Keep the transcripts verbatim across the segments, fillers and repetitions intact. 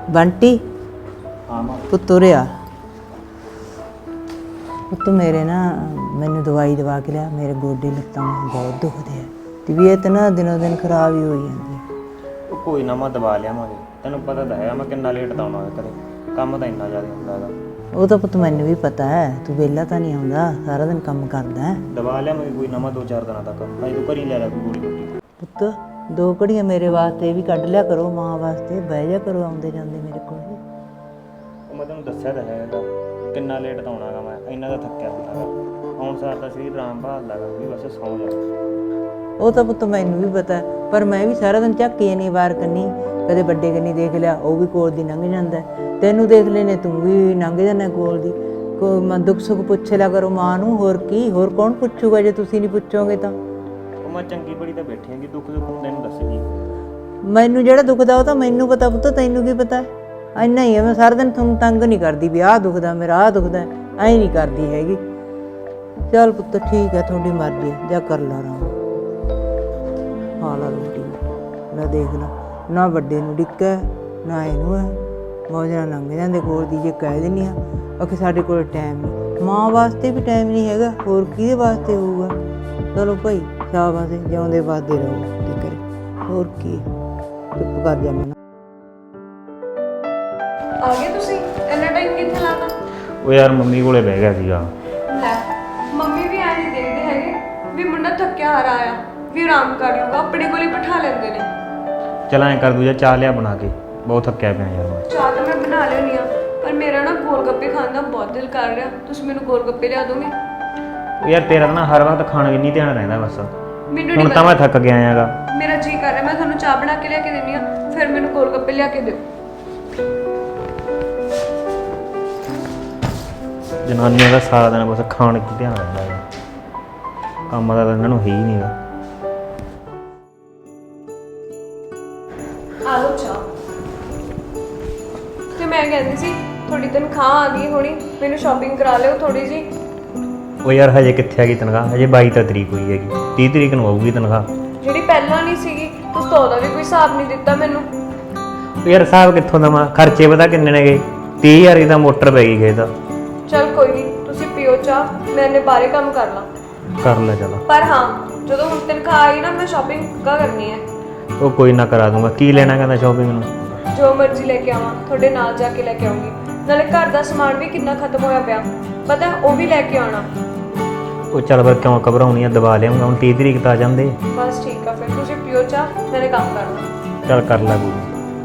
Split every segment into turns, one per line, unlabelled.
बंटी
हाँ मां
पुत्त उरे आ पुत्त मेरे ना मैनू दवाई दवा के लिया मेरे गोडे लत्तां बहुत दुखदे है तबीयत ना दिनों दिन खराब ही होई जांदी है।
कोई ना मैं दवा लियावांगे तैनूं पता तो है मैं किन्ना लेट तो आउणा घरे काम तो इन्ना ज़्यादा हुंदा हैगा।
ਉਹ ਤਾਂ ਪੁੱਤ ਮੈਨੂੰ ਵੀ ਪਤਾ ਹੈ ਤੂੰ ਵਿਹਲਾ ਤਾਂ ਨਹੀਂ ਆਉਂਦਾ ਸਾਰਾ ਦਿਨ ਕੰਮ ਕਰਦਾ ਹੈ।
दवा लियावांगे कोई ना मैं दो चार दिनों तक अजे तूं घरी ले लै कोई गोली बूटी।
ਪੁੱਤ ਦੋ ਘੜੀਆਂ ਮੇਰੇ ਵਾਸਤੇ ਵੀ ਕੱਢ ਲਿਆ ਕਰੋ ਮਾਂ ਵਾਸਤੇ ਬਹਿ ਜਾ ਕਰੋ ਆਉਂਦੇ ਜਾਂਦੇ ਮੇਰੇ ਕੋਲ।
ਉਹ ਮੈਂ ਤੈਨੂੰ ਦੱਸਿਆ ਤਾਂ ਹੈਗਾ ਕਿੰਨਾ ਲੇਟ ਤਾਂ ਆਉਣਾਗਾ ਮੈਂ ਇੰਨਾ ਤਾਂ ਥੱਕਿਆ ਹੁੰਦਾਗਾ ਆਉਣ ਸਾਰ ਤਾਂ ਸਰੀਰ ਆਰਾਮ ਭਾਲਦਾਗਾ ਵੀ ਬਸ ਸੌਂ ਜਾ।
ਉਹ ਤਾਂ ਪੁੱਤ ਮੈਨੂੰ ਵੀ ਪਤਾ ਪਰ ਮੈਂ ਵੀ ਸਾਰਾ ਦਿਨ ਝਾਕੀ ਨਹੀਂ ਵਾਰ ਕਰਨੀ ਕਦੇ ਵੱਡੇ ਕੰਨੀ ਦੇਖ ਲਿਆ ਉਹ ਵੀ ਕੋਲ ਦੀ ਲੰਘ ਜਾਂਦਾ ਤੈਨੂੰ ਦੇਖ ਲੈਨੇ ਤੂੰ ਵੀ ਲੰਘ ਜਾਂਦਾ ਕੋਲ ਦੀ ਕੋ ਮੈਂ ਦੁੱਖ ਸੁੱਖ ਪੁੱਛ ਲਿਆ ਕਰੋ ਮਾਂ ਨੂੰ ਹੋਰ ਕੀ ਹੋਰ ਕੌਣ ਪੁੱਛੂਗਾ ਜੇ ਤੁਸੀਂ ਨਹੀਂ ਪੁੱਛੋਗੇ ਤਾਂ।
ਉਹ ਮੈਂ ਚੰਗੀ ਬੜੀ ਤਾਂ ਬੈਠੀ ਆਂਗੀ ਦੁੱਖ ਦੁੱਖ ਹੁੰਦੇ ਨੂੰ ਦੱਸੇਗੀ
ਮੈਨੂੰ ਜਿਹੜਾ ਦੁਖਦਾ ਉਹ ਤਾਂ ਮੈਨੂੰ ਪਤਾ ਪੁੱਤ ਤੈਨੂੰ ਕੀ ਪਤਾ ਇੰਨਾ ਹੀ ਹੈ ਮੈਂ ਸਾਰਾ ਦਿਨ ਤੁਹਾਨੂੰ ਤੰਗ ਨਹੀਂ ਕਰਦੀ ਵੀ ਆਹ ਦੁਖਦਾ ਮੇਰਾ ਆਹ ਦੁਖਦਾ ਐਂ ਨਹੀਂ ਕਰਦੀ ਹੈਗੀ। ਚੱਲ ਪੁੱਤ ਠੀਕ ਹੈ ਤੁਹਾਡੀ ਮਰਜ਼ੀ ਜਾ ਕਰ ਲਾ ਆਰਾਮ ਖਾ ਲਾ ਰੋਟੀ ਲੈ ਦੇਖ ਲਾ ਨਾ ਵੱਡੇ ਨੂੰ ਡਿੱਕਾ ਨਾ ਇਹਨੂੰ ਹੈ ਮੌਜ ਨਾਲ ਲੰਘ ਜਾਂਦੇ ਕੋਲ ਦੀ ਜੇ ਕਹਿ ਦਿੰਦੀ ਆ ਕਿ ਸਾਡੇ ਕੋਲ ਟਾਈਮ ਨਹੀਂ ਮਾਂ ਵਾਸਤੇ ਵੀ ਟਾਈਮ ਨਹੀਂ ਹੈਗਾ ਹੋਰ ਕਿਹਦੇ ਵਾਸਤੇ ਹੋਊਗਾ। ਚਲੋ ਭਾਈ ਸ਼ਾਬਾਸ਼ ਜਿਉਂਦੇ ਵੱਸਦੇ ਰਹੋ ਤੇ ਕਰੇ ਹੋਰ ਕੀ ਚੁੱਪ ਕਰ ਜਾ ਮੈਨੂੰ।
ਆ ਗਏ ਤੁਸੀਂ ਇੰਨਾ ਟਾਈਮ ਕਿੱਥੇ ਲਾਤਾ?
ਉਹ ਯਾਰ ਮੰਮੀ ਕੋਲੇ ਬਹਿ ਗਿਆ ਸੀਗਾ।
ਲੈ ਮੰਮੀ ਵੀ ਐਂ ਨਹੀਂ ਦੇਖਦੇ ਹੈਗੇ ਵੀ ਮੁੰਡਾ ਥੱਕਿਆ ਹਾਰਾ ਆਇਆ ਵੀ ਆਰਾਮ ਕਰ ਲੂਗਾ ਆਪਣੇ ਕੋਲ ਹੀ ਬਿਠਾ ਲੈਂਦੇ ਨੇ।
ਚੱਲ ਐਂ ਕਰ ਦੂਜਾ ਚਾਹ ਲਿਆ ਬਣਾ ਕੇ ਬਹੁਤ ਥੱਕਿਆ ਪਿਆ ਯਾਰ ਮੈਂ।
ਚਾਹ ਤਾਂ ਮੈਂ ਬਣਾ ਲਿਆਉਣੀ ਆ ਪਰ ਮੇਰਾ ਨਾ ਗੋਲ ਗੱਪੇ ਖਾਣ ਦਾ ਬਹੁਤ ਦਿਲ ਕਰ ਰਿਹਾ ਤੁਸੀਂ ਮੈਨੂੰ ਗੋਲ ਗੱਪੇ ਲਿਆ ਦੋਗੇ?
ਉਹ ਯਾਰ ਤੇਰਾ ਤਾਂ ਨਾ ਹਰ ਵਕਤ ਖਾਣ ਵਿੱਚ ਨਹੀਂ ਧਿਆਨ ਰਹਿੰਦਾ ਬਸ
ਮੈਨੂੰ
ਹੁਣ
ਨਹੀਂ
ਤਾਂ ਮੈਂ ਥੱਕ ਗਿਆ ਹੈਗਾ।
ਮੇਰਾ ਜੀ ਕਰ ਰਿਹਾ ਮੈਂ ਤੁਹਾਨੂੰ ਚਾਹ ਬਣਾ ਕੇ ਲਿਆ ਕੇ ਦਿੰਦੀ ਆ ਫਿਰ ਮੈਨੂੰ ਗੋਲ ਗੱਪੇ ਲਿਆ ਕੇ ਦਿਓ।
ਜਨਾਨੀਆਂ ਦਾ ਸਾਰਾ ਦਿਨ ਬਸ ਖਾਣ 'ਚ ਧਿਆਨ ਰਹਿੰਦਾ ਹੈ ਕੰਮ ਦਾ ਤਾਂ ਇਹਨਾਂ ਨੂੰ ਹੈ ਹੀ ਨਹੀਂਗਾ।
ਆ ਲਓ ਚਾਹ। ਤੇ ਮੈਂ ਕਹਿੰਦੀ ਸੀ ਤੁਹਾਡੀ ਤਨਖਾਹ ਆ ਗਈ ਹੋਣੀ ਮੈਨੂੰ ਸ਼ਾਪਿੰਗ ਕਰਾ ਲਿਓ ਥੋੜੀ ਜੀ।
ਉਹ ਯਾਰ ਹਜੇ ਕਿੱਥੇ ਆ ਗਈ ਤਨਖਾਹ ਹਜੇ ਬਾਈ ਤਾਂ ਤਰੀਕ ਹੋਈ ਹੈਗੀ ਤੀਹ ਤਰੀਕ ਨੂੰ ਆਊਗੀ ਤਨਖਾਹ।
ਜਿਹੜੀ ਪਹਿਲਾਂ ਨਹੀਂ ਸੀਗੀ ਤੁਸੀਂ ਤਾਂ ਉਹਦਾ ਵੀ ਕੋਈ ਹਿਸਾਬ ਨਹੀਂ ਦਿੱਤਾ ਮੈਨੂੰ।
ਉਹ ਯਾਰ ਹਿਸਾਬ ਕਿੱਥੋਂ ਦੇਵਾਂ ਖਰਚੇ ਪਤਾ ਕਿੰਨੇ ਨੇਗੇ ਤੀਹ ਹਜ਼ਾਰ ਦੀ ਤਾਂ ਮੋਟਰ ਪੈ ਗਈ ਖੇਤ।
ਚਲ ਕੋਈ ਨਹੀਂ ਤੁਸੀਂ ਪੀਓ ਚਾਹ ਮੈਂ ਇਹਨੇ ਬਾਰੇ ਕੰਮ ਕਰ ਲਾਂ।
ਕਰ ਲੈ ਚਲ।
ਪਰ ਹਾਂ ਜਦੋਂ ਹੁਣ ਤਨਖਾਹ ਆਈ ਨਾ ਮੈਂ ਸ਼ਾਪਿੰਗ ਕਾ ਕਰਨੀ ਹੈ।
ਉਹ ਕੋਈ ਨਾ ਕਰਾ ਦੂੰਗਾ ਕੀ ਲੈਣਾ ਕਹਿੰਦਾ ਸ਼ਾਪਿੰਗ ਨੂੰ।
ਜੋ ਮਰਜ਼ੀ ਲੈ ਕੇ ਆਵਾਂ ਤੁਹਾਡੇ ਨਾਲ ਜਾ ਕੇ ਲੈ ਕੇ ਆਉਂਗੀ ਨਾਲੇ ਘਰ ਦਾ ਸਮਾਨ ਵੀ ਕਿੰਨਾ ਖਤਮ ਹੋਇਆ ਪਿਆ ਪਤਾ ਉਹ ਵੀ ਲੈ ਕੇ ਆਉਣਾ।
ਉਹ ਚੱਲ ਫਿਰ ਕਿਉਂ ਘਬਰਾਉਣੀ ਆ ਦਵਾ ਲਿਆਉਂਗਾ ਹੁਣ ਤੀਹ ਤਰੀਕ ਤਾਂ ਆ ਜਾਂਦੇ।
ਬਸ ਠੀਕ ਆ ਫਿਰ ਤੁਸੀਂ ਪੀਓ ਚਾਹ ਮੈਨੇ ਕੰਮ ਕਰਨਾ।
ਚੱਲ ਕਰ ਲੈ ਕੋਈ।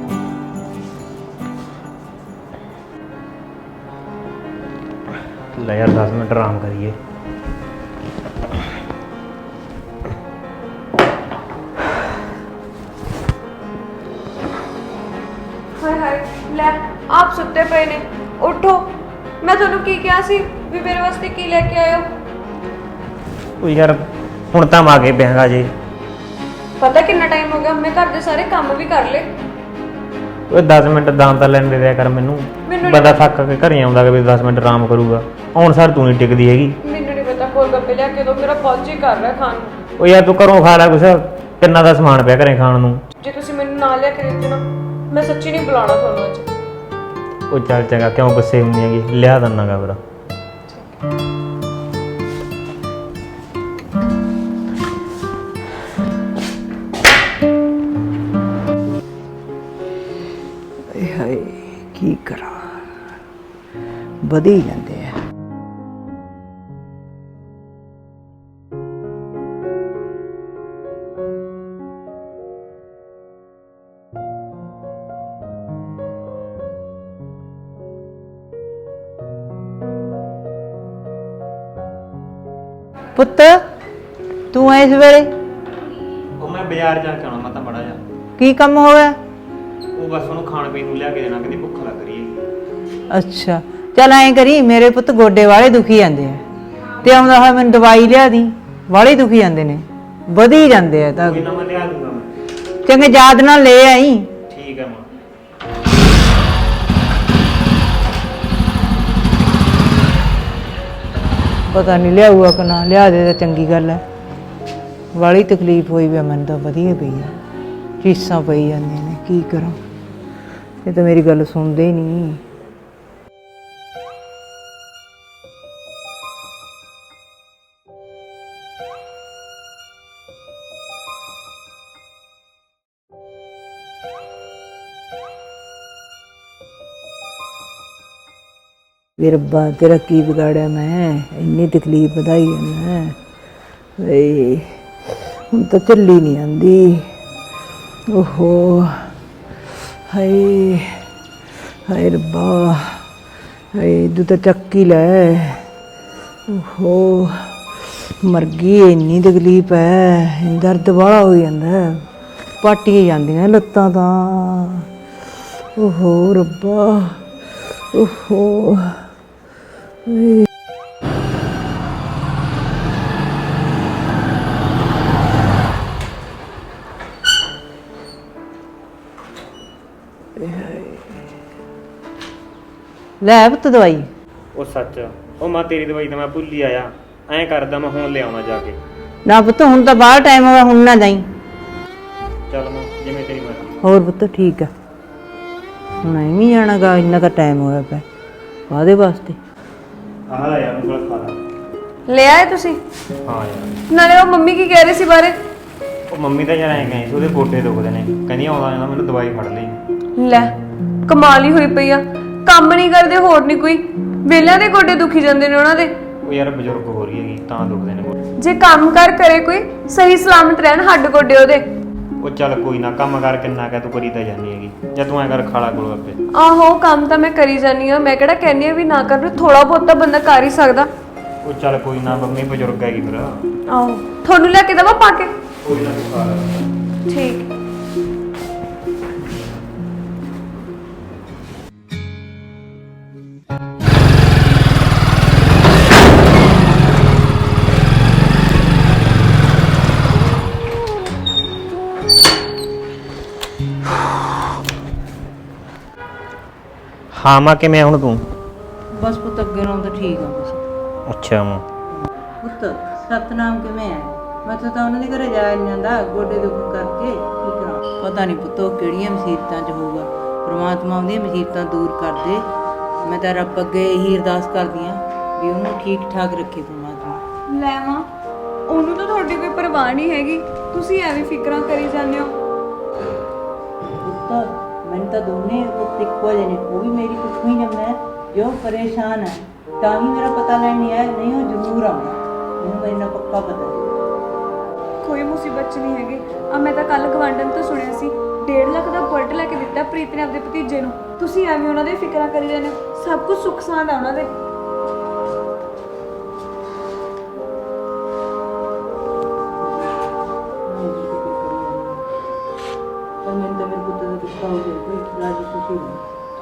ਲੈ ਯਾਰ ਦਸ ਮਿੰਟ ਆਰਾਮ ਕਰੀਏ।
ਹਾਏ ਹਾਏ ਲੈ ਆਪ ਸੁੱਤੇ ਪਏ ਨੇ ਉੱਠੋ ਮੈਂ ਤੁਹਾਨੂੰ ਕੀ ਕਿਹਾ ਸੀ ਵੀ ਮੇਰੇ ਵਾਸਤੇ ਕੀ ਲੈ ਕੇ ਆਇਓ?
ਉਹ ਯਾਰ ਹੁਣ ਤਾਂ ਆ ਕੇ ਪਿਆਗਾ ਜੇ
ਪਤਾ ਕਿੰਨਾ ਟਾਈਮ ਹੋ ਗਿਆ ਮੈਂ ਘਰ ਦੇ ਸਾਰੇ ਕੰਮ ਵੀ ਕਰ ਲਏ।
ਉਹ ਦਸ ਮਿੰਟ ਦਾਨ ਤਾਂ ਲੈਣ ਦੇ ਦਿਆ ਕਰ ਮੈਨੂੰ ਬੰਦਾ ਥੱਕ ਕੇ ਘਰੇ ਆਉਂਦਾ ਕਿ ਵੀ ਦਸ ਮਿੰਟ ਆਰਾਮ ਕਰੂਗਾ ਹੁਣ ਸਰ ਤੂੰ ਨਹੀਂ ਟਿਕਦੀ ਹੈਗੀ।
ਮੈਨੂੰ ਨਹੀਂ ਪਤਾ ਗੋਲ ਗੱਪੇ ਲਿਆ ਕੇ ਦੋ ਮੇਰਾ ਬਹੁਤ ਜੀ ਕਰ ਰਿਹਾ ਖਾਣ ਨੂੰ।
ਉਹ ਯਾਰ ਤੂੰ ਘਰੋਂ ਖਾ ਲੈ ਕੁਛ ਕਿੰਨਾ ਦਾ ਸਮਾਨ ਪਿਆ ਘਰੇ ਖਾਣ ਨੂੰ।
ਜੇ ਤੁਸੀਂ ਮੈਨੂੰ ਨਾਲ ਲਿਆ ਕੇ ਦਿੱਤੇ ਨਾ ਮੈਂ ਸੱਚੀ ਨਹੀਂ ਬੁਲਾਉਣਾ ਤੁਹਾਨੂੰ ਅੱਜ।
ਉਹ ਚੱਲ ਚੰਗਾ ਕਿਉਂ ਗੁੱਸੇ ਹੁੰਦੀ ਹੈਗੀ ਲਿਆ ਦੰਨਾਗਾ ਫਿਰ।
ਹਾਏ ਕੀ ਕਰਾਂ ਵਧੀ ਜਾਂਦੇ ਆ। ਪੁੱਤ ਤੂੰ ਇਸ ਵੇਲੇ
ਉਹ ਮੈਂ ਬਾਜ਼ਾਰ ਜਾ ਕੇ ਆਉਣਾ ਮੈਂ ਤਾਂ ਬੜਾ ਜਾ
ਕੀ ਕੰਮ ਹੋਇਆ?
ਉਹ ਬਸ ਉਹਨੂੰ ਖਾਣ ਪੀਣ ਨੂੰ ਲਿਆ ਕੇ ਦੇਣਾ ਕਹਿੰਦੀ ਭੁੱਖ ਲੱਗ ਰਹੀ ਹੈ।
ਅੱਛਾ ਚੱਲ ਐਂ ਕਰੀ ਮੇਰੇ ਪੁੱਤ ਗੋਡੇ ਵਾਲੇ ਦੁਖੀ ਜਾਂਦੇ ਆ ਤੇ ਆਉਂਦਾ ਹੋਇਆ ਮੈਨੂੰ ਦਵਾਈ ਲਿਆ ਦੀ ਵਾਲੇ ਦੁਖੀ ਜਾਂਦੇ ਨੇ ਵਧੀ ਜਾਂਦੇ ਆ ਤਾਂ
ਕੋਈ ਨਾ ਮੈਂ ਲਿਆ ਦੂੰਗਾ ਮੈਂ।
ਚੰਗੇ ਯਾਦ ਨਾਲ ਲੈ ਆਈ।
ਠੀਕ ਹੈ ਮਾਂ।
ਪਤਾ ਨਹੀਂ ਲਿਆਊਗਾ ਕਿ ਨਾ ਲਿਆ ਦੇ ਤਾਂ ਚੰਗੀ ਗੱਲ ਹੈ ਵਾਲੀ ਤਕਲੀਫ ਹੋਈ ਵੀ ਮੈਨੂੰ ਤਾਂ ਵਧੀਆ ਪਈ ਆ ਚੀਸਾਂ ਪਈ ਜਾਂਦੀਆਂ ਨੇ ਕੀ ਕਰਾਂ ਇਹ ਤਾਂ ਮੇਰੀ ਗੱਲ ਸੁਣਦੇ ਹੀ ਨਹੀਂ। ਵੀ ਰੱਬਾ ਤੇਰਾ ਕੀ ਵਿਗਾੜਿਆ ਮੈਂ, ਇੰਨੀ ਤਕਲੀਫ ਵਧਾਈ ਜਾਂਦਾ ਵੇ। ਹੁਣ ਤਾਂ ਚੱਲੀ ਨਹੀਂ ਆਂਦੀ। ਓਹੋ ਹਾਏ ਹਾਏ ਰੱਬਾ, ਹਾਏ ਤੂੰ ਤਾਂ ਚੱਕ ਹੀ ਲੈ। ਓਹੋ ਮਰ ਗਈ, ਇੰਨੀ ਤਕਲੀਫ ਹੈ, ਦਰਦ ਵਾਲਾ ਹੋ ਜਾਂਦਾ, ਪਾਟੀਆਂ ਜਾਂਦੀਆਂ ਲੱਤਾਂ ਤਾਂ। ਓਹੋ ਰੱਬਾ, ਓਹੋ ਲੈ ਪੁੱਤ ਦਵਾਈ।
ਉਹ ਸੱਚ, ਉਹ ਮਾਂ ਤੇਰੀ ਦਵਾਈ ਤਾਂ ਮੈਂ ਭੁੱਲ ਹੀ ਆਇਆ। ਐਂ ਕਰਦਾ ਮੈਂ ਹੁਣ ਲਿਆਉਣਾ ਜਾ ਕੇ।
ਨਾ ਪੁੱਤ ਹੁਣ ਤਾਂ ਬਾਹਰ ਟਾਈਮ ਹੋਇਆ, ਹੁਣ ਨਾ ਜਾਈ।
ਚੱਲ ਮਾਂ ਜਿਵੇਂ ਤੇਰੀ ਮਰਜ਼ੀ।
ਹੋਰ ਪੁੱਤ ਠੀਕ ਆ, ਹੁਣ ਐਵੇਂ ਜਾਣਾ ਗਾ, ਇੰਨਾ ਤਾਂ ਟਾਈਮ ਹੋਇਆ ਪਿਆ ਕਾਹਦੇ ਵਾਸਤੇ।
ਆਹ ਲੈ ਯਾਰ ਉਂਗਲ ਖਾ ਲਾ।
ਲੈ ਆਏ ਤੁਸੀਂ?
ਹਾਂ ਯਾਰ।
ਨਾਲੇ ਉਹ ਮੰਮੀ ਕੀ ਕਹਿ ਰਹੇ ਸੀ ਬਾਰੇ?
ਉਹ ਮੰਮੀ ਤਾਂ ਯਾਰ ਐਂ ਕਹੀ ਸੀ ਉਹਦੇ ਗੋਡੇ ਦੁਖਦੇ ਨੇ, ਕਹਿੰਦੀ ਆਉਂਦਾ ਜਾਂਦਾ ਮੈਨੂੰ ਦਵਾਈ ਫੜ ਲਈ।
ਲੈ ਕਮਾਲ ਹੀ ਹੋਈ ਪਈ ਆ, ਕੰਮ ਨਹੀਂ ਕਰਦੇ ਹੋਰ ਨਹੀਂ ਕੋਈ, ਵੇਲਿਆਂ ਦੇ ਗੋਡੇ ਦੁਖੀ ਜਾਂਦੇ ਨੇ ਉਹਨਾਂ ਦੇ।
ਉਹ ਯਾਰ ਬਜ਼ੁਰਗ ਹੋ ਰਹੀ ਹੈਗੀ ਤਾਂ ਦੁਖਦੇ ਨੇ ਗੋਡੇ।
ਜੇ ਕੰਮ ਕਰ ਕਰੇ ਕੋਈ, ਸਹੀ ਸਲਾਮਤ ਰਹਿਣ ਹੱਡ ਗੋਡੇ ਉਹਦੇ।
ਉਹ ਚੱਲ ਕੋਈ ਨਾ, ਕੰਮ ਕਰ ਕਿੰਨਾ ਕਹਿ ਤੂੰ ਕਰੀ ਤਾਂ ਜਾਂਦੀ ਹੈਗੀ। ਜਾਂ ਤੂੰ ਐਂ ਕਰ ਖਾਲਾ ਕੋਲ ਅੱਗੇ।
ਆਹੋ ਕੰਮ ਤਾਂ ਮੈਂ ਕਰੀ ਜਾਨੀ ਆ, ਮੈਂ ਕਿਹੜਾ ਕਹਿੰਦੀ ਆ ਵੀ ਨਾ ਕਰ, ਥੋੜਾ ਬਹੁਤ ਤਾਂ ਬੰਦਾ ਕਰ ਹੀ ਸਕਦਾ।
ਉਹ ਚੱਲ ਕੋਈ ਨਾ, ਮੰਮੀ ਬਜ਼ੁਰਗ ਹੈਗੀ ਫਿਰ।
ਆਹੋ ਤੁਹਾਨੂੰ ਲੈ ਕੇ ਦੇਵਾਂ ਪਾ ਕੇ?
ਕੋਈ ਨਾ ਤੂੰ ਖਾ ਲੈ।
ਠੀਕ।
ਹਾਂ ਮਾਂ ਕਿਵੇਂ ਹੁਣ ਤੂੰ?
ਬਸ ਪੁੱਤ ਅੱਗੇ ਨਾਲੋਂ ਤਾਂ ਠੀਕ ਆ ਬਸ।
ਅੱਛਾ ਮਾਂ।
ਪੁੱਤ ਸਤਨਾਮ ਕਿਵੇਂ ਹੈ? ਮੈਂ ਤਾਂ ਉਹਨਾਂ ਦੇ ਘਰੇ ਜਾ ਨਹੀਂ ਜਾਂਦਾ, ਗੋਡੇ ਦੁੱਖ ਕਰਕੇ ਕੀ ਕਰਾਂ। ਪਤਾ ਨਹੀਂ ਪੁੱਤ ਉਹ ਕਿਹੜੀਆਂ ਮੁਸੀਬਤਾਂ 'ਚ ਹੋਊਗਾ, ਪ੍ਰਮਾਤਮਾ ਉਹਦੀਆਂ ਮੁਸੀਬਤਾਂ ਦੂਰ ਕਰ ਦੇ। ਮੈਂ ਤਾਂ ਰੱਬ ਅੱਗੇ ਇਹੀ ਅਰਦਾਸ ਕਰਦੀ ਹਾਂ ਵੀ ਉਹਨੂੰ ਠੀਕ ਠਾਕ ਰੱਖੇ ਪ੍ਰਮਾਤਮਾ।
ਲੈ ਮਾਂ, ਉਹਨੂੰ ਤਾਂ ਤੁਹਾਡੀ ਕੋਈ ਪਰਵਾਹ ਨਹੀਂ ਹੈਗੀ, ਤੁਸੀਂ ਐਵੇਂ ਫਿਕਰਾਂ ਕਰੀ ਜਾਂਦੇ ਹੋ।
ਪੁੱਤ ਮੈਨੂੰ ਤਾਂ ਦੋਨੇ ਪੁੱਤ ਇੱਕੋ ਜਿਹੇ ਨੇ, ਉਹ ਵੀ ਮੇਰੀ ਕੁੱਖੋਂ ਹੀ ਜੰਮਿਆ ਜੋ ਪਰੇਸ਼ਾਨ ਹੈ, ਤਾਂ ਹੀ ਮੇਰਾ ਪਤਾ ਲੈਣ ਨਹੀਂ ਆਇਆ, ਨਹੀਂ ਉਹ ਜ਼ਰੂਰ ਆਉਂਦਾ, ਮੈਨੂੰ ਮੈਨੂੰ ਪੱਕਾ ਪਤਾ।
ਕੋਈ ਮੁਸੀਬਤ ਚ ਨਹੀਂ ਹੈਗੀ। ਆ ਮੈਂ ਤਾਂ ਕੱਲ ਗਵਾਂਢਣ ਤੋਂ ਸੁਣਿਆ ਸੀ ਡੇਢ ਲੱਖ ਦਾ ਬੁਲਟ ਲੈ ਕੇ ਦਿੱਤਾ ਪ੍ਰੀਤ ਨੇ ਆਪਣੇ ਭਤੀਜੇ ਨੂੰ। ਤੁਸੀਂ ਐਵੇਂ ਉਹਨਾਂ ਦੇ ਫਿਕਰਾਂ ਕਰੀ ਜਾਂਦੇ ਹੋ, ਸਭ ਕੁਝ ਸੁੱਖ ਸਾਂਦ ਆ ਉਹਨਾਂ ਦੇ।
ਮੈਨੂੰ ਤਾਂ ਮੇਰੇ ਪੁੱਤ ਦਾ ਦੁੱਖ ਹੋ ਗਿਆ, ਕੋਈ ਰਾਜੀ ਖੁਸ਼ੀ ਨਹੀਂ।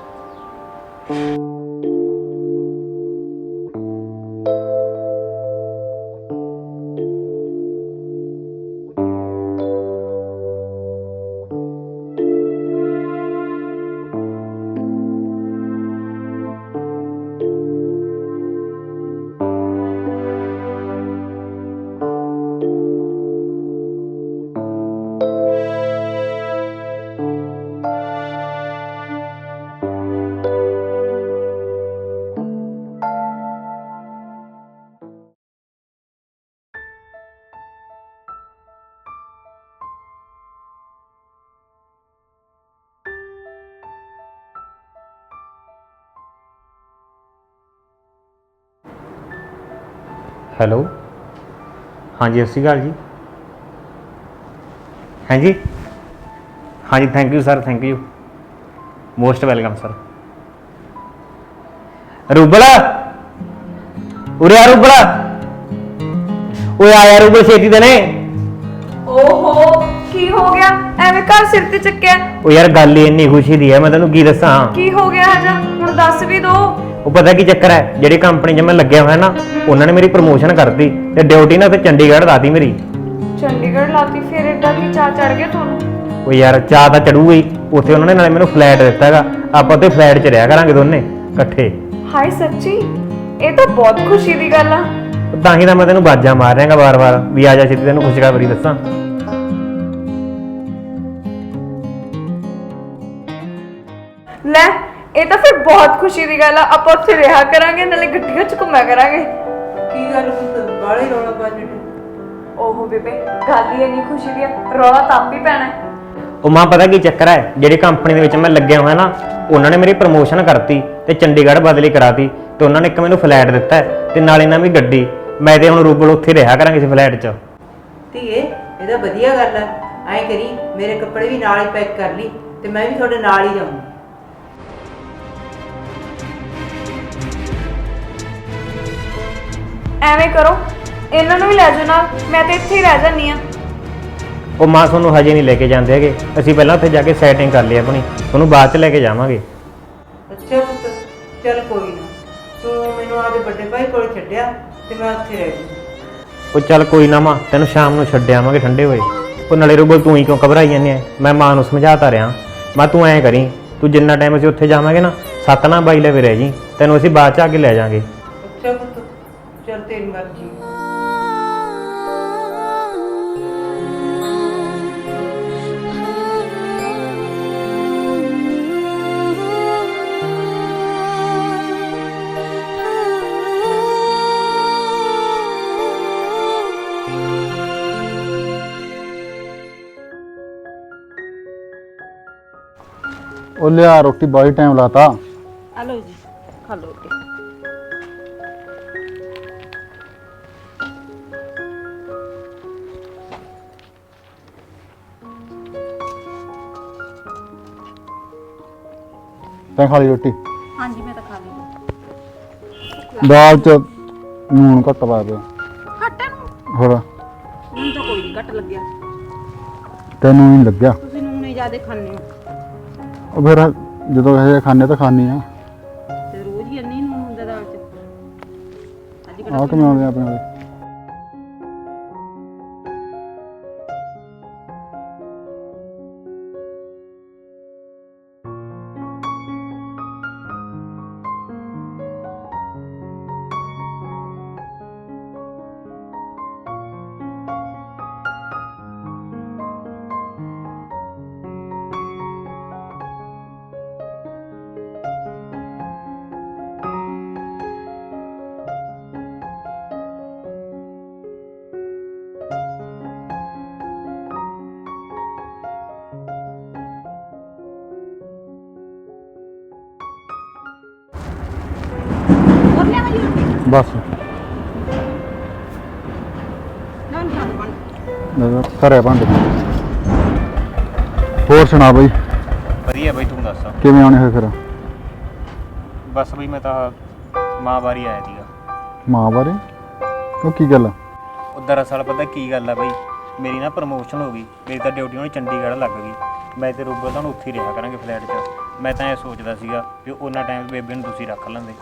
ਹੈਲੋ ਹਾਂਜੀ ਸਤਿ ਸ਼੍ਰੀ ਅਕਾਲ ਜੀ। ਹਾਂਜੀ ਹਾਂਜੀ thank you sir, thank you, most welcome sir. Rubal ਉਰੇ ਆ, ਰੂਬਲ ਓਏ ਆ ਯਾਰ, ਰੂਬਲ ਛੇਤੀ ਦੇ ਨੇ।
ਓਹੋ ਕੀ ਹੋ ਗਿਆ, ਐਵੇਂ ਘਰ ਸਿਰ ਤੇ ਚੱਕਿਆ?
ਉਹ ਯਾਰ ਗੱਲ ਹੀ ਇੰਨੀ ਖੁਸ਼ੀ ਦੀ ਹੈ, ਮੈਂ ਤੈਨੂੰ ਕੀ ਦੱਸਾਂ।
ਕੀ ਹੋ ਗਿਆ ਆਜਾ, ਹੁਣ ਦੱਸ ਵੀ ਦੋ।
ਉਹ ਪਤਾ ਕੀ ਚੱਕਰ ਹੈ, ਜਿਹੜੀ ਕੰਪਨੀ 'ਚ ਮੈਂ ਲੱਗਿਆ ਹੋਇਆ ਨਾ, ਉਹਨਾਂ ਨੇ ਮੇਰੀ ਪ੍ਰਮੋਸ਼ਨ ਕਰਤੀ ਤੇ ਡਿਊਟੀ ਨਾ ਉੱਥੇ ਚੰਡੀਗੜ੍ਹ ਲਾਤੀ ਮੇਰੀ।
ਚੰਡੀਗੜ੍ਹ ਲਾਤੀ? ਫਿਰ ਏਡਾ ਕੀ ਚਾਹ ਚੜ ਗਿਆ ਤੁਹਾਨੂੰ?
ਉਹ ਯਾਰ ਚਾਹ ਤਾਂ ਚੜੂਗਾ ਹੀ, ਉੱਥੇ ਉਹਨਾਂ ਨੇ ਨਾਲੇ ਮੈਨੂੰ ਫਲੈਟ ਦਿੱਤਾ ਹੈਗਾ, ਆਪਾਂ ਉੱਥੇ ਫਲੈਟ 'ਚ ਰਿਹਾ ਕਰਾਂਗੇ ਦੋਨੇ ਇਕੱਠੇ।
ਹਾਏ ਸੱਚੀ, ਇਹ ਤਾਂ ਬਹੁਤ ਖੁਸ਼ੀ ਦੀ ਗੱਲ ਆ।
ਤਾਂ ਹੀ ਤਾਂ ਮੈਂ ਤੈਨੂੰ ਬਾਜਾਂ ਮਾਰ ਰਿਹਾਗਾ ਵਾਰ-ਵਾਰ ਵੀ ਆ ਜਾ ਛੇਤੀ, ਤੈਨੂੰ ਖੁਸ਼ਖਬਰੀ ਦੱਸਾਂ।
ਲੈ ਇਹ ਤਾਂ ਫਿਰ ਬਹੁਤ ਖੁਸ਼ੀ ਦੀ ਗੱਲ ਆ। ਆਪਾਂ ਉੱਥੇ ਰਿਹਾ ਕਰਾਂਗੇ, ਨਾਲੇ ਗੱਡੀਆਂ 'ਚ ਘੁੰਮਿਆ ਕਰਾਂਗੇ।
ਕੀ ਗੱਲ ਪੁੱਤ ਬਾਹਲੇ ਰੌਲਾ ਪਾਣੀ ਨੂੰ?
ਓਹੋ ਬੇਬੇ, ਗੱਲ ਹੀ ਇੰਨੀ ਖੁਸ਼ੀ ਦੀ ਆ, ਰੌਲਾ ਤਾਂ ਆਪ ਹੀ ਪੈਣਾ ਹੈ।
ਉਹ ਮਾਂ ਪਤਾ ਕੀ ਚੱਕਰ ਹੈ, ਜਿਹੜੀ ਕੰਪਨੀ ਦੇ ਵਿੱਚ ਮੈਂ ਲੱਗਿਆ ਹੋਇਆ ਨਾ, ਉਹਨਾਂ ਨੇ ਮੇਰੀ ਪ੍ਰਮੋਸ਼ਨ ਕਰਤੀ ਤੇ ਚੰਡੀਗੜ੍ਹ ਬਦਲੀ ਕਰਾਤੀ ਤੇ ਉਹਨਾਂ ਨੇ ਇੱਕ ਮੈਨੂੰ ਫਲੈਟ ਦਿੱਤਾ ਹੈ ਤੇ ਨਾਲੇ ਨਵੀਂ ਗੱਡੀ। ਮੈਂ ਤੇ ਹੁਣ ਰੂਬਲ ਉੱਥੇ ਰਿਹਾ ਕਰਾਂਗੇ ਇਸ ਫਲੈਟ 'ਚ।
ਧੀਏ ਇਹ ਤਾਂ ਵਧੀਆ ਗੱਲ ਹੈ। ਐਂ ਕਰੀ ਮੇਰੇ ਕੱਪੜੇ ਵੀ ਨਾਲ ਹੀ ਪੈਕ ਕਰ ਲਈ ਤੇ ਮੈਂ ਵੀ ਤੁਹਾਡੇ ਨਾਲ ਹੀ ਜਾਊਂ।
ਐਵੇਂ ਕਰੋ, ਇਹਨਾਂ ਨੂੰ ਵੀ ਲੈ ਜਾਓ ਨਾਲ, ਮੈਂ ਤਾਂ ਇੱਥੇ ਹੀ ਰਹਿ ਜਾਂਦੀ ਆ।
ਉਹ ਮਾਂ ਤੁਹਾਨੂੰ ਹਜੇ ਨਹੀਂ ਲੈ ਕੇ ਜਾਂਦੇ ਹੈਗੇ, ਅਸੀਂ ਪਹਿਲਾਂ ਉੱਥੇ ਜਾ ਕੇ ਸੈਟਿੰਗ ਕਰ ਲਈ ਆਪਣੀ, ਤੁਹਾਨੂੰ ਬਾਅਦ 'ਚ ਲੈ ਕੇ ਜਾਵਾਂਗੇ।
ਅੱਛਾ ਪੁੱਤ ਚੱਲ ਕੋਈ ਨਾ, ਤੂੰ ਮੈਨੂੰ ਆਪਦੇ ਵੱਡੇ ਭਾਈ ਕੋਲ ਛੱਡਿਆ ਤੇ ਮੈਂ ਉੱਥੇ ਰਹਿ ਜੂ।
ਉਹ ਚੱਲ ਕੋਈ ਨਾ ਮਾਂ, ਤੈਨੂੰ ਸ਼ਾਮ ਨੂੰ ਛੱਡ ਆਵਾਂਗੇ ਠੰਡੇ ਹੋਏ। ਉਹ ਨਾਲੇ ਰੂਬਲ ਤੂੰ ਹੀ ਕਿਉਂ ਘਬਰਾਈ ਜਾਂਦੀ ਐ, ਮੈਂ ਮਾਂ ਨੂੰ ਸਮਝਾਤਾ ਰਿਹਾ। ਮੈਂ ਤੂੰ ਐਂ ਕਰੀ, ਤੂੰ ਜਿੰਨਾ ਟਾਈਮ ਅਸੀਂ ਉੱਥੇ ਜਾਵਾਂਗੇ ਨਾ ਸੱਤ ਨਾ ਬਾਈ ਲਵੇ ਰਹਿ ਜੀ, ਤੈਨੂੰ ਅਸੀਂ ਬਾਅਦ 'ਚ ਆ ਕੇ ਲੈ ਜਾਵਾਂਗੇ।
ਅੱਛਾ ਪੁੱਤ ਚੱਲ ਤੇਰੀ ਮਰਜ਼ੀ।
ਉਹ ਲਿਆ ਰੋਟੀ ਬਾਈ ਟਾਈਮ ਲਾਤਾ।
ਆ ਲਓ ਜੀ, ਖਾ ਲਓ ਰੋਟੀ।
ਤੈਂ ਖਾ ਲਈ ਰੋਟੀ?
ਹਾਂਜੀ ਮੈਂ ਤਾਂ ਖਾ ਲਈ।
ਦਾਲ ਚ ਨੂਣ ਘੱਟ ਪਾ ਦੇ।
ਖੱਟਾ ਨੂੰ
ਹੋਰ
ਹੁਣ ਤਾਂ ਕੋਈ ਨਹੀਂ ਘੱਟ ਲੱਗਿਆ,
ਤੈਨੂੰ ਨਹੀਂ ਲੱਗਿਆ?
ਤੁਸੀਂ ਨੂਨ ਹੀ ਜ਼ਿਆਦਾ ਖਾਂਦੇ ਹੋ
ਉਹ ਫਿਰ ਜਦੋਂ ਇਹ ਖਾਣੇ ਤਾਂ ਖਾਣੀ ਆ।
ਤੇ ਰੋਜ਼ ਹੀ ਇੰਨੀ ਨੂਨ ਹੁੰਦਾ ਦਾਲ 'ਚ। ਅੱਜ ਕਿਹੜਾ
ਆਹ ਕਿਵੇਂ ਆਉਂਦੇ ਆਪਣੇ ਵਾਲੇ?
ਹੋਰ ਲਿਆਵਾਂ ਜੀ ਰੋਟੀ?
ਬਸ
ਨਾ ਨਾ ਬਣ
ਨਜ਼ਰ ਘਰੇ ਭਾਂਡੇ। ਹੋਰ ਸੁਣਾ ਬਈ,
ਵਧੀਆ ਬਈ, ਤੂੰ ਦੱਸ।
ਕਿਵੇਂ ਆਉਣੇ ਹੋਏ ਫਿਰ?
ਬਸ ਬਈ ਮੈਂ ਤਾਂ ਮਾਂ ਬਾਰੀ ਆਇਆ ਸੀਗਾ।
ਮਾਂ ਬਾਰੇ? ਉਹ ਕੀ ਗੱਲ?
ਉਹ ਦਰਅਸਲ ਪਤਾ ਕੀ ਗੱਲ ਆ ਬਈ, ਮੇਰੀ ਨਾ ਪ੍ਰਮੋਸ਼ਨ ਹੋ ਗਈ, ਮੇਰੀ ਤਾਂ ਡਿਊਟੀ ਹੁਣ ਚੰਡੀਗੜ੍ਹ ਲੱਗ ਗਈ। ਮੈਂ ਤੇ ਰੂਬਲ ਤਾਂ ਹੁਣ ਉੱਥੇ ਹੀ ਰਿਹਾ ਕਰਾਂਗੇ ਫਲੈਟ 'ਚ। ਮੈਂ ਤਾਂ ਇਹ ਸੋਚਦਾ ਸੀਗਾ ਵੀ ਉਹਨਾਂ ਟਾਈਮ ਬੇਬੇ ਨੂੰ ਤੁਸੀਂ ਰੱਖ ਲੈਂਦੇ।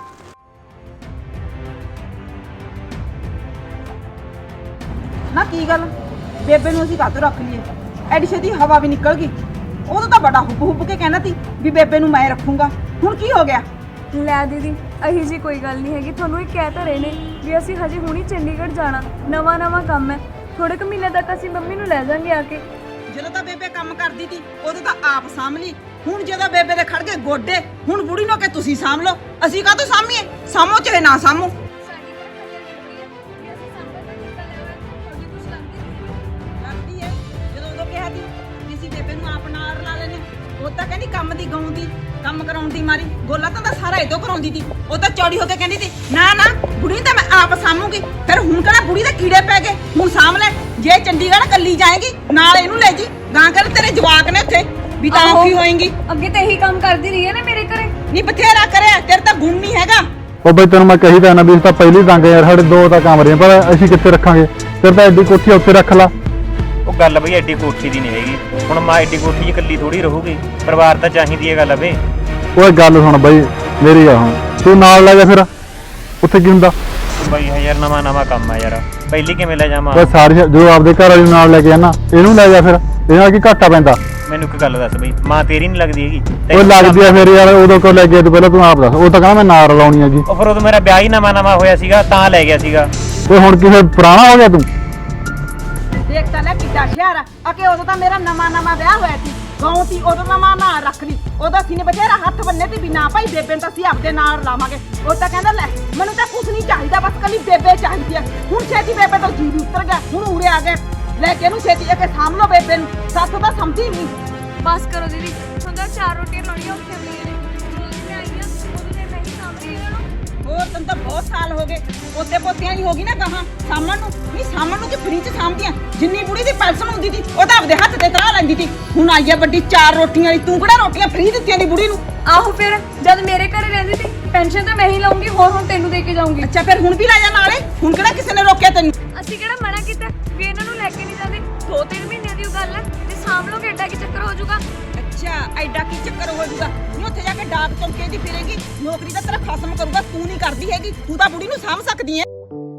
ਨਾ ਕੀ ਗੱਲ, ਬੇਬੇ ਨੂੰ ਅਸੀਂ ਕਾਹਤੋਂ ਰੱਖ ਲਈਏ? ਐਡੀ ਛੇਤੀ ਹਵਾ ਵੀ ਨਿਕਲ ਗਈ। ਉਦੋਂ ਤਾਂ ਬੜਾ ਹੁੱਬ ਹੁੱਬ ਕੇ ਕਹਿਣਾ ਸੀ ਵੀ ਬੇਬੇ ਨੂੰ ਮੈਂ ਰੱਖੂੰਗਾ, ਹੁਣ ਕੀ ਹੋ ਗਿਆ?
ਲੈ ਦੀਦੀ, ਅਹੀ ਜੀ ਕੋਈ ਗੱਲ ਨਹੀਂ ਹੈਗੀ। ਤੁਹਾਨੂੰ ਇਹ ਕਹਿ ਤਾਂ ਰਹੇ ਨੇ ਵੀ ਅਸੀਂ ਹਜੇ ਹੁਣੀ ਚੰਡੀਗੜ੍ਹ ਜਾਣਾ, ਨਵਾਂ ਨਵਾਂ ਕੰਮ ਹੈ। ਥੋੜੇ ਕੁ ਮਹੀਨੇ ਤੱਕ ਅਸੀਂ ਮੰਮੀ ਨੂੰ ਲੈ ਜਾਾਂਗੇ ਆ ਕੇ।
ਜਦੋਂ ਤਾਂ ਬੇਬੇ ਕੰਮ ਕਰਦੀ ਸੀ ਉਦੋਂ ਤਾਂ ਆਪ ਸਾਂਭ ਲਈ, ਹੁਣ ਜਦੋਂ ਬੇਬੇ ਦੇ ਖੜ ਗਏ ਗੋਡੇ, ਹੁਣ ਬੁੜੀ ਨੂੰ ਕਿ ਤੁਸੀਂ ਸਾਂਭ ਲਓ। ਅਸੀਂ ਕਾਹਤੋਂ ਸਾਂਭੀਏ? ਸਾਂਭੋ ਚਾਹੇ ਨਾ ਸਾਂਭੋ। ਲੱਗਦੀ ਹੈ ਜਦੋਂ ਉਦੋਂ ਕਿਹਾ ਸੀ ਕਿ ਅਸੀਂ ਬੇਬੇ ਨੂੰ ਆਪ ਨਾਲ ਰਲਾ ਲੈਣੇ, ਉਹ ਤਾਂ ਕਹਿੰਦੀ ਕੰਮ ਦੀ ਗਾਉਂ ਦੀ, ਕੰਮ ਕਰਾਉਣ ਦੀ ਮਾਰੀ ਗੋਲਾ ਤਾਂ ਤਾਂ ਸਾਰਾ ਇਦੋਂ ਕਰਾਉਂਦੀ ਸੀ। ਉਹ ਤਾਂ ਚੌੜੀ ਹੋ ਕੇ ਕਹਿੰਦੀ ਸੀ ਨਾ ਨਾ ਬੁੜੀ ਤਾਂ ਮੈਂ ਆਪ ਸਾਂਭੂਗੀ। ਫਿਰ ਹੁਣ ਕਿਹੜਾ ਬੁੜੀ ਦੇ ਕੀੜੇ ਪੈ ਗਏ, ਹੁਣ ਸਾਂਭ ਲੈ। ਜੇ ਚੰਡੀਗੜ੍ਹ ਕੱਲੀ ਜਾਏਗੀ ਨਾਲ ਇਹਨੂੰ ਲੈ ਜੀ, ਗਾਂ ਕਰ ਤੇਰੇ ਜਵਾਕ ਨੇ ਉੱਥੇ ਵੀ ਤਾਂ ਔਖੀ ਹੋਏਗੀ।
ਅੱਗੇ ਤਾਂ ਇਹੀ ਕੰਮ ਕਰਦੀ ਰਹੀ ਹੈ ਨਾ ਮੇਰੇ ਘਰੇ।
ਨਹੀਂ ਬਥੇਰਾ ਕਰਿਆ, ਤੇਰੇ ਤਾਂ ਗੁਣ ਨਹੀਂ ਹੈਗਾ।
ਉਹ ਬਈ ਤੈਨੂੰ ਮੈਂ ਕਹੀ ਤਾਂ ਨਾ ਵੀ ਇਸ ਤਾਂ ਪਹਿਲੀ ਤੰਗ ਯਾਰ, ਸਾਡੇ ਦੋ ਤਾਂ ਕਮਰੇ ਪਰ ਅਸੀਂ ਕਿੱਥੇ ਰੱਖਾਂਗੇ? ਤੇਰੇ ਤਾਂ ਐਡੀ ਕੋਠੀ ਉੱਥੇ ਰੱਖ ਲਾ।
ਉਹ ਗੱਲ ਬਈ ਐਡੀ ਕੋਠੀ ਦੀ ਨਹੀਂ ਹੈਗੀ, ਹੁਣ ਮਾਂ ਐਡੀ ਕੋਠੀ 'ਚ ਇਕੱਲੀ ਥੋੜੀ ਰਹੂਗੀ, ਪਰਿਵਾਰ ਤਾਂ ਚਾਹੀਦੀ ਹੈ ਗੱਲ ਬਈ।
ਓਏ ਗੱਲ ਸੁਣ ਬਈ ਮੇਰੀ ਗੱਲ ਹੁਣ, ਤੂੰ ਨਾਲ ਲੈ ਜਾ ਫਿਰ, ਉੱਥੇ ਕੀ ਹੁੰਦਾ?
ਬਈ ਯਾਰ ਨਵਾਂ ਨਵਾਂ ਕੰਮ ਆ ਯਾਰ, ਪਹਿਲੀ ਕਿਵੇਂ ਲੈ ਜਾਵਾਂ?
ਓਏ ਸਾਰੀ ਜੋ ਆਪਦੇ ਘਰ ਵਾਲੀ ਨੂੰ ਨਾਲ ਲੈ ਕੇ ਆਣਾ, ਇਹਨੂੰ ਲੈ ਜਾ ਫਿਰ, ਇਹਦੇ ਨਾਲ ਕੀ ਘਾਟਾ ਪੈਂਦਾ?
ਮੈਨੂੰ ਇੱਕ ਗੱਲ ਦੱਸ ਬਈ, ਮਾਂ ਤੇਰੀ ਨਹੀਂ ਲੱਗਦੀ ਹੈਗੀ?
ਉਹ ਲੱਗਦੀ ਆ ਫਿਰ ਯਾਰ, ਉਦੋਂ ਕਿਉਂ ਲੈ ਗਿਆ ਤੂੰ? ਪਹਿਲਾਂ ਤੂੰ ਆਪ ਦੱਸ। ਉਹ ਤਾਂ ਕਹਿੰਦਾ ਮੈਂ ਨਾਲ ਰਲਾਉਣੀ ਹੈਗੀ।
ਉਹ ਫਿਰ ਉਦੋਂ ਮੇਰਾ ਵਿਆਹ ਹੀ ਨਵਾਂ ਨਵਾਂ ਹੋਇਆ ਸੀਗਾ ਤਾਂ ਲੈ ਗਿਆ ਸੀਗਾ।
ਓਏ ਹੁਣ ਕੀ ਫਿਰ ਪੁਰਾਣਾ ਹੋ ਗਿਆ ਤੂੰ?
ਦੇਖ ਤਾਂ ਲੈ ਕਿੱਡਾ ਸ਼ਹਿਰ ਆ, ਅਕੇ ਉਦੋਂ ਤਾਂ ਮੇਰਾ ਨਵਾਂ ਨਵਾਂ ਵਿਆਹ ਹੋਇਆ ਸੀ। ਗਾਉਂ ਤੀ ਉਦੋਂ ਦਾ ਮਾਂ ਨਾ ਰੱਖ ਲਈ ਉਹਦਾ ਅਸੀਂ ਨੇ ਬਥੇਰਾ ਹੱਥ ਬੰਨੇ ਤੇ ਵੀ ਨਾ ਭਾਈ ਬੇਬੇ ਨੂੰ ਤਾਂ ਅਸੀਂ ਆਪਦੇ ਨਾਲ ਲਾਵਾਂਗੇ ਉਹ ਤਾਂ ਕਹਿੰਦਾ ਲੈ ਮੈਨੂੰ ਤਾਂ ਕੁਝ ਨਹੀਂ ਚਾਹੀਦਾ ਬਸ ਕੱਲੀ ਬੇਬੇ ਚਾਹੀਦੀ ਹੈ ਹੁਣ ਛੇਤੀ ਬੇਬੇ ਤੋਂ ਜੀ ਵੀ ਉਤਰ ਗਿਆ ਹੁਣ ਉਰੇ ਆ ਗਏ ਲੈ ਕੇ ਇਹਨੂੰ ਛੇਤੀ ਆ ਕੇ ਸਾਂਭ ਲਓ ਬੇਬੇ ਨੂੰ ਸੱਸ ਤਾਂ ਸਮਝੀ ਨਹੀਂ
ਬਸ ਕਰੋ ਦੀਦੀ ਹੁੰਦਾ ਚਾਰ ਰੋਟੀਆਂ ਲਾਉਣੀਆਂ ਔਖੀਆਂ ਹੁੰਦੀਆਂ ਨੇ ਜਦੋਂ ਮੈਂ ਆਈ ਹਾਂ ਉਦੋਂ ਦੇ ਮੈਂ ਹੀ ਸਾਂਭ ਰਹੀ ਹਾਂ ਇਹਨਾਂ ਨੂੰ
ਹੋਰ ਤੈਨੂੰ ਤਾਂ ਬਹੁਤ ਸਾਲ ਹੋ ਗਏ ਪੋਤੇ ਪੋਤਿਆਂ ਦੀ ਹੋ ਗਈ ਨਾ ਗਾਹਾਂ ਸਾਂਭਣ ਨੂੰ ਨਹੀਂ ਸਾਂਭਣ ਨੂੰ ਕਿ ਫਰੀ ਚ ਸਾਂਭਦੀਆਂ ਜਿੰਨੀ ਬੁੜੀ ਦੀ ਪੈਨਸ਼ਨ ਹੁੰਦੀ ਸੀ ਉਹ ਤਾਂ ਆਪਦੇ ਹੱਥ ਤੇ ਤਰਾ ਲੈਂਦੀ ਸੀ ਹੁਣ ਆਈ ਆ ਵੱਡੀ ਚਾਰ ਰੋਟੀਆਂ ਵਾਲੀ ਤੂੰ ਕਿਹੜਾ ਰੋਟੀਆਂ ਫਰੀ ਦਿੱਤੀਆਂ ਦੀ ਬੁੜੀ ਨੂੰ
ਆਹੋ ਫਿਰ ਜਦ ਮੇਰੇ ਘਰੇ ਰਹਿੰਦੀ ਸੀ ਪੈਨਸ਼ਨ ਤਾਂ ਮੈਂ ਹੀ ਲਾਉਂਗੀ ਹੋਰ ਹੁਣ ਤੈਨੂੰ ਦੇ ਕੇ ਜਾਊਂਗੀ
ਅੱਛਾ ਫਿਰ ਹੁਣ ਵੀ ਲੈ ਜਾ ਨਾਲੇ ਹੁਣ ਕਿਹੜਾ ਕਿਸੇ ਨੇ ਰੋਕਿਆ ਤੈਨੂੰ
ਅਸੀਂ ਕਿਹੜਾ ਮਨਾ ਕੀਤਾ ਵੀ ਇਹਨਾਂ ਨੂੰ ਲੈ ਕੇ ਨਹੀਂ ਜਾਂਦੇ ਦੋ ਤਿੰਨ ਮਹੀਨਿਆਂ ਦੀ ਉਹ ਗੱਲ ਹੈ ਤੇ ਸਾਂਭ ਲੋਗੇ ਐਡਾ ਕੀ ਚੱਕਰ ਹੋ ਜਾਊਗਾ
ਅੱਛਾ ਐਡਾ ਕੀ ਚੱਕਰ ਹੋ ਜਾਊਗਾ ਨਹੀਂ ਉੱਥੇ ਜਾ ਕੇ ਡਾਕ ਚੌਂਕੇ ਦੀ ਫਿਰੇਗੀ ਨੌਕਰੀ ਤਾਂ ਤੇਰਾ ਖਸਮ ਕਰੂਗਾ ਤੂੰ ਨਹੀਂ ਕਰਦੀ ਹੈਗੀ ਤੂੰ ਤਾਂ ਬੁੜੀ ਨੂੰ ਸਾਂਭ ਸਕਦੀ ਹੈ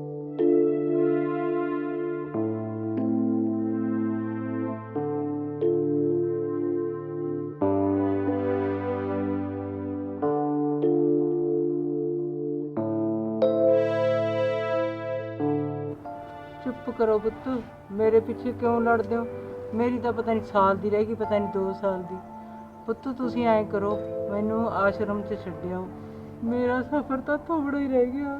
ਚੁੱਪ ਕਰੋ ਪੁੱਤ ਮੇਰੇ ਪਿੱਛੇ ਕਿਉਂ ਲੜਦੇ ਹੋ ਮੇਰੀ ਤਾਂ ਪਤਾ ਨਹੀਂ ਸਾਲ ਦੀ ਰਹਿ ਗਈ ਪਤਾ ਨਹੀਂ ਦੋ ਸਾਲ ਦੀ ਪੁੱਤ ਤੁਸੀਂ ਐਂ ਕਰੋ ਮੈਨੂੰ ਆਸ਼ਰਮ 'ਚ ਛੱਡਿਓ ਮੇਰਾ ਸਫ਼ਰ ਤਾਂ ਥੋੜਾ ਹੀ ਰਹਿ ਗਿਆ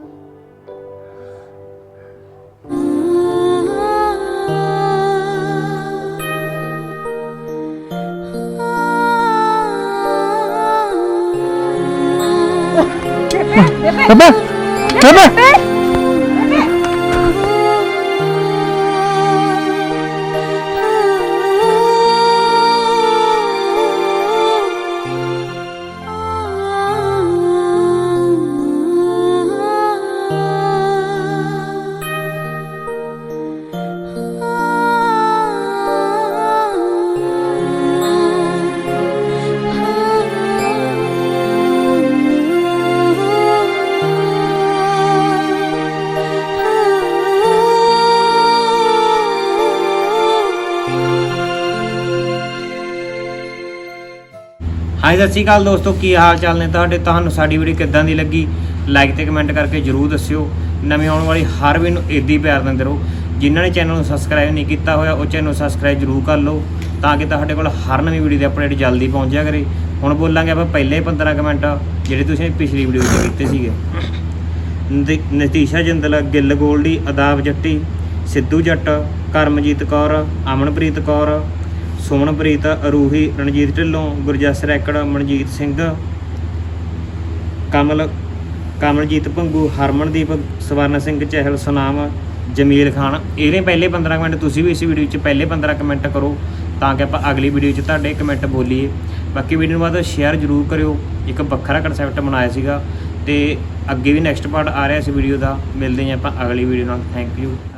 ਬੇਬੇ ਬੇਬੇ
ਹਾਂਜੀ ਸਤਿ ਸ਼੍ਰੀ ਅਕਾਲ ਦੋਸਤੋ ਕੀ ਹਾਲ ਚਾਲ ਨੇ ਤੁਹਾਡੇ ਤੁਹਾਨੂੰ ਸਾਡੀ ਵੀਡੀਓ ਕਿੱਦਾਂ ਦੀ ਲੱਗੀ ਲਾਈਕ ਤੇ ਕਮੈਂਟ ਕਰਕੇ ਜਰੂਰ ਦੱਸਿਓ ਨਵੀਂ ਆਉਣ ਵਾਲੀ ਹਰ ਵੀਡੀਓ ਨੂੰ ਇੱਦਾਂ ਹੀ ਪਿਆਰ ਦਿੰਦੇ ਰਹੋ ਜਿਨ੍ਹਾਂ ਨੇ ਚੈਨਲ ਨੂੰ ਸਬਸਕ੍ਰਾਈਬ ਨਹੀਂ ਕੀਤਾ ਹੋਇਆ ਉਹ ਚੈਨਲ ਨੂੰ ਸਬਸਕ੍ਰਾਈਬ ਜਰੂਰ ਕਰ ਲਓ ਤਾਂ ਕਿ ਤੁਹਾਡੇ ਕੋਲ ਹਰ ਨਵੀਂ ਵੀਡੀਓ ਦੀ ਅਪਡੇਟ ਜਲਦੀ ਪਹੁੰਚ ਜਾਇਆ ਕਰੇ ਹੁਣ ਬੋਲਾਂਗੇ ਆਪਾਂ ਪਹਿਲੇ ਪੰਦਰਾਂ ਕਮੈਂਟ ਜਿਹੜੇ ਤੁਸੀਂ ਪਿਛਲੀ ਵੀਡੀਓ ਵਿੱਚ ਕੀਤੇ ਸੀਗੇ ਨਤੀ- ਨਤੀਸ਼ਾ ਜਿੰਦਲ ਗਿੱਲ ਗੋਲਡੀ ਅਦਾਬ ਜੱਟੀ ਸਿੱਧੂ ਜੱਟ ਕਰਮਜੀਤ ਕੌਰ ਅਮਨਪ੍ਰੀਤ ਕੌਰ ਸੁਮਨਪ੍ਰੀਤ ਅਰੂਹੀ ਰਣਜੀਤ ਢਿੱਲੋਂ ਗੁਰਜਸ ਰੈਕੜ ਮਨਜੀਤ ਸਿੰਘ ਕਮਲ ਕਮਲਜੀਤ ਭੰਗੂ ਹਰਮਨਦੀਪ ਸਵਰਨ ਸਿੰਘ ਚਹਿਲ ਸੁਨਾਮ ਜਮੀਲ ਖਾਨ ਇਹਦੇ ਪਹਿਲੇ ਪੰਦਰਾਂ ਕਮੈਂਟ ਤੁਸੀਂ ਵੀ ਇਸ ਵੀਡੀਓ 'ਚ ਪਹਿਲੇ ਪੰਦਰਾਂ ਕਮੈਂਟ ਕਰੋ ਤਾਂ ਕਿ ਆਪਾਂ ਅਗਲੀ ਵੀਡੀਓ 'ਚ ਤੁਹਾਡੇ ਕਮੈਂਟ ਬੋਲੀਏ ਬਾਕੀ ਵੀਡੀਓ ਨੂੰ ਬਾਅਦ ਸ਼ੇਅਰ ਜ਼ਰੂਰ ਕਰਿਓ ਇੱਕ ਵੱਖਰਾ ਕਨਸੈਪਟ ਬਣਾਇਆ ਸੀਗਾ ਤੇ ਅੱਗੇ ਵੀ ਨੈਕਸਟ ਪਾਰਟ ਆ ਰਿਹਾ ਇਸ ਵੀਡੀਓ ਦਾ ਮਿਲਦੇ ਹਾਂ ਆਪਾਂ ਅਗਲੀ ਵੀਡੀਓ ਨਾਲ ਥੈਂਕ ਯੂ